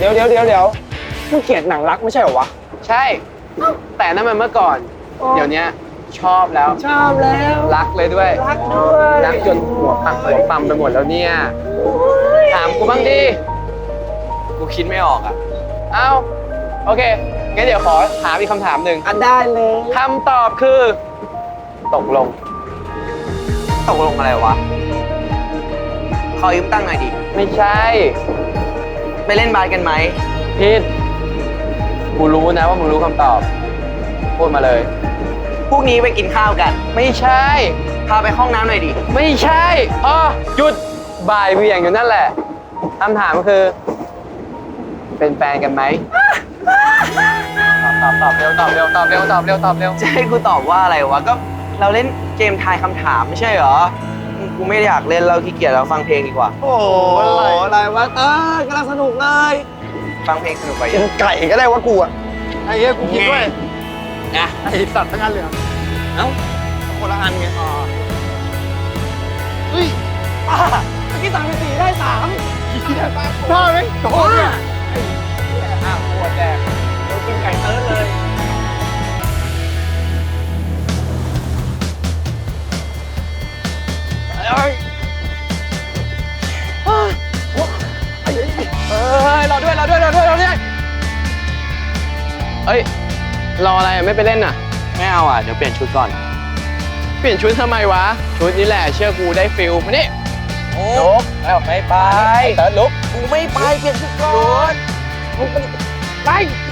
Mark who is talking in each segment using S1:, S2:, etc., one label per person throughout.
S1: เดี๋ยวมึงเกลียดหนังรักไม่ใช่เหรอวะ
S2: ใช่แต่นั่นมันเมื่อก่อนเดี๋ยวนี้ชอบแล้วรักเลยด้วยรักจนหัวปั๊มไปหมดแล้วเนี่ยถามกูบ้างดิกูคิดไม่ออกอ่ะเอ้าโอเคงั้นเดี๋ยวขอถามอีกคำถามหนึ่ง
S1: ได้เลย
S2: คำตอบคือตกลง
S3: อะไรวะขอยืมตั้งหน่อยดิ
S2: ไม่ใช่
S3: ไปเล่นบาสกันไหม
S2: ผิดกูรู้นะว่ามึงรู้คำตอบพูดมาเลย
S3: พรุ่งนี้ไปกินข้าวกัน
S2: ไม่ใช่
S3: พาไปห้องน้ำหน่อยดิ
S2: ไม่ใช่หยุดบ่ายเบี่ยงอยู่นั่นแหละคำถามก็คือเป็นแฟนกันไหมตอบเร็ว
S3: จะให้กูตอบว่าอะไรวะก็เราเล่นเกมทายคำถามไม่ใช่เหรอกูไม่อยากเล่นเราขี้เกียจเราฟังเพลงดีกว่า
S1: โอ้อะไรวะกำลังสนุกเลย
S3: ฟังเพลงสนุกไป
S1: กินไก่ก็ได้วะกูอ่ะไอ้เหี้ยกูกินด้วยนะไอ้สัตว์ทั้งอันเลยเอ้าคนละอันไงเฮ้ยเมื่อกี้สั่งไป4ได้3พ่อไหมโอ้ยปวดแดกเรากินไก่เติร์ดเลยรอด้วย
S2: เอ้ยรออะไรไม่ไปเล่นน่ะ
S3: ไม่เอาอ่ะเดี๋ยวเปลี่ยนชุดก่อน
S2: เปลี่ยนชุดทำไมวะชุดนี้แหละเชื่อกูได้ฟิลมานี่
S3: ลุกแล้วไม่ไป
S2: เติร์ดลุก
S3: กูไม่ไปเปลี่ยนชุดก่อน
S2: ไป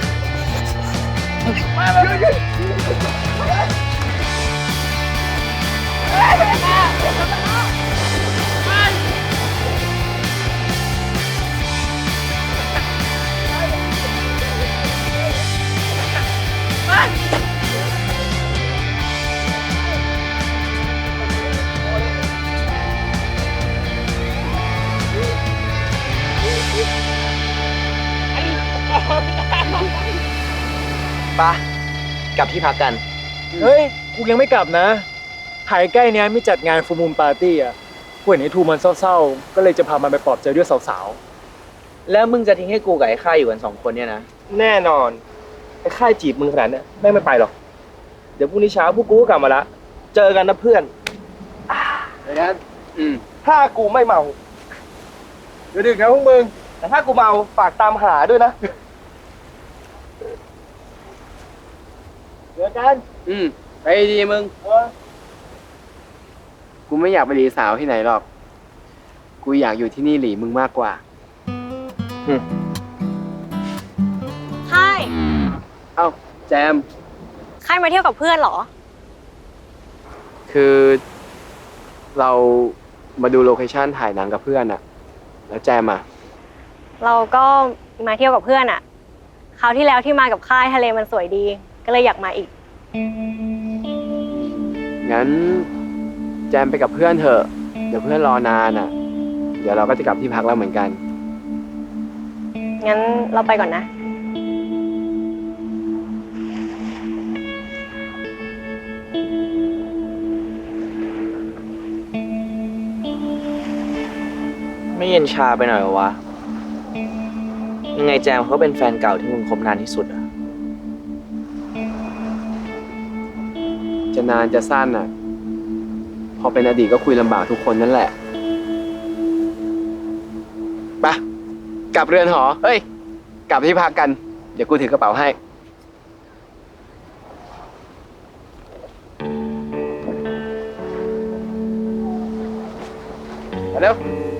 S3: ปะกลับที่พักกัน
S4: เฮ้ยกูยังไม่กลับนะหายใกล้เนี้ยไม่จัดงานฟูมูลปาร์ตี้อ่ะกูเห็นไอ้ทูมันเศร้าๆก็เลยจะพามันไปปลอบใจด้วยสาว
S3: ๆแล้วมึงจะทิ้งให้กูกับไอ้ข้าอยู่กัน2 คนเนี่ยนะ
S4: แน่นอนไอ้ค่ายจีบมึงขนาดนี้แม่งไม่ไปหรอกเดี๋ยวพรุ่งนี้เช้าพวกกูก็กลับมาละเจอกันนะเพื่อน
S1: เดี๋ยวนั้นถ้ากูไม่เมาเดี๋ยวดึกนะพวกมึงแต่ถ้ากูเมาฝากตามหาด้วยนะเดี๋ยวกัน
S2: ไปดีมึงกูไม่อยากไปหลีสาวที่ไหนหรอกกูอยากอยู่ที่นี่หลีมึงมากกว่า
S5: ค่าย
S2: เอ้าแจม
S5: ค่ายมาเที่ยวกับเพื่อนเหรอ
S2: คือเรามาดูโลเคชั่นถ่ายหนังกับเพื่อนอะแล้วแจมอะ
S5: เราก็มาเที่ยวกับเพื่อนอะคราวที่แล้วที่มากับค่ายทะเลมันสวยดีก็เลยอยากมาอีก
S2: งั้นแจมไปกับเพื่อนเถอะเดี๋ยวเพื่อนรอนานอะเดี๋ยวเราก็จะกลับที่พักแล้วเหมือนกัน
S5: งั้นเราไปก่อนนะ
S3: ไม่เย็นชาไปหน่อยวะยังไงแจมเขาเป็นแฟนเก่าที่มึงคบนานที่สุดอะ
S2: จะนานจะสั้นอ่ะพอเป็นอดีตก็คุยลำบากทุกคนนั่นแหละไปกลับเรือนหอเฮ้ยกลับที่พักกันเดี๋ยวกูถือกระเป๋าให้เร็ว